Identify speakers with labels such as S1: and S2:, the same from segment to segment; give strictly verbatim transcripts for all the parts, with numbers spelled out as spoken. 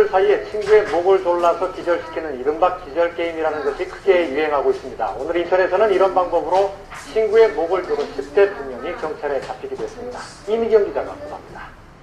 S1: 청소년들 사이에 친구의 목을 졸라서 기절시키는 이른바 기절게임이라는 것이 크게 유행하고 있습니다. 오늘 인천에서는 이런 방법으로 친구의 목을 조른 십 대 두 명이 경찰에 잡히기도 했습니다. 이미경 기자가 보도합니다.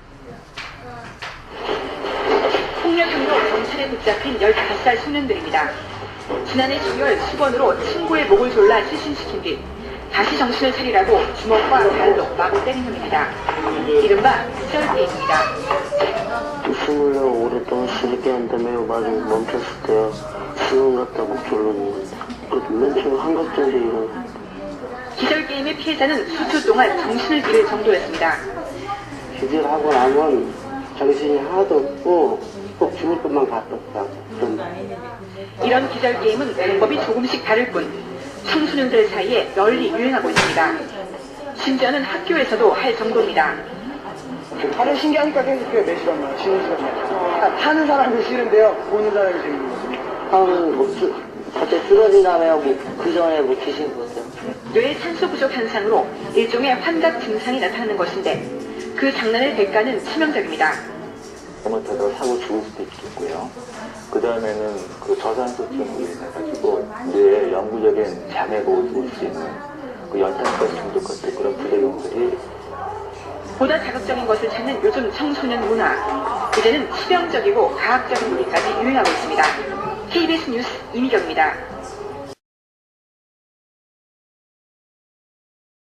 S2: 폭력 혐의로 경찰에 붙잡힌 열다섯 살 소년들입니다. 지난해 주월 수건으로 친구의 목을 졸라 실신시킨 뒤 다시 정신을 차리라고 주먹과 발로 마구 때린 혐의입니다. 이른바 기절게임입니다.
S3: 숨을 오랫동안 쉬게 한다며 말을 멈췄을 때요. 수건 갖다 목 졸르는 맨 처음 한 것 정도 이런.
S2: 기절게임의 피해자는 수초 동안 정신을 잃을 정도였습니다.
S3: 기절하고 나면 정신이 하나도 없고 꼭 죽을 것만 같았다.
S2: 이런 기절게임은 방법이 조금씩 다를 뿐 청소년들 사이에 널리 유행하고 있습니다. 심지어는 학교에서도 할 정도입니다.
S4: 다른 신기하니까 계속해요. 네 시간만, 쉬는 시간만. 하는 사람이 싫은데요. 보는 사람이 재밌는 거죠.
S3: 하면 뭐 쓰, 갑자기 쓰러진 다음에 뭐 그 전에 뭐 귀신 보세요.
S2: 뇌의 산소 부족 현상으로 일종의 환각 증상이 나타나는 것인데 그 장난의 대가는 치명적입니다.
S5: 잘못하다가 사고 죽을 수도 있겠고요. 그 다음에는 그 저산소증으로 인해가지고 뇌에 영구적인 장애가 올 수 있는 그 연탄가스 중독 같은 그런 부작용들이
S2: 보다 자극적인 것을 찾는 요즘 청소년 문화. 이제는 치명적이고 과학적인 놀이까지 유행하고 있습니다. 케이비에스 뉴스 이미경입니다.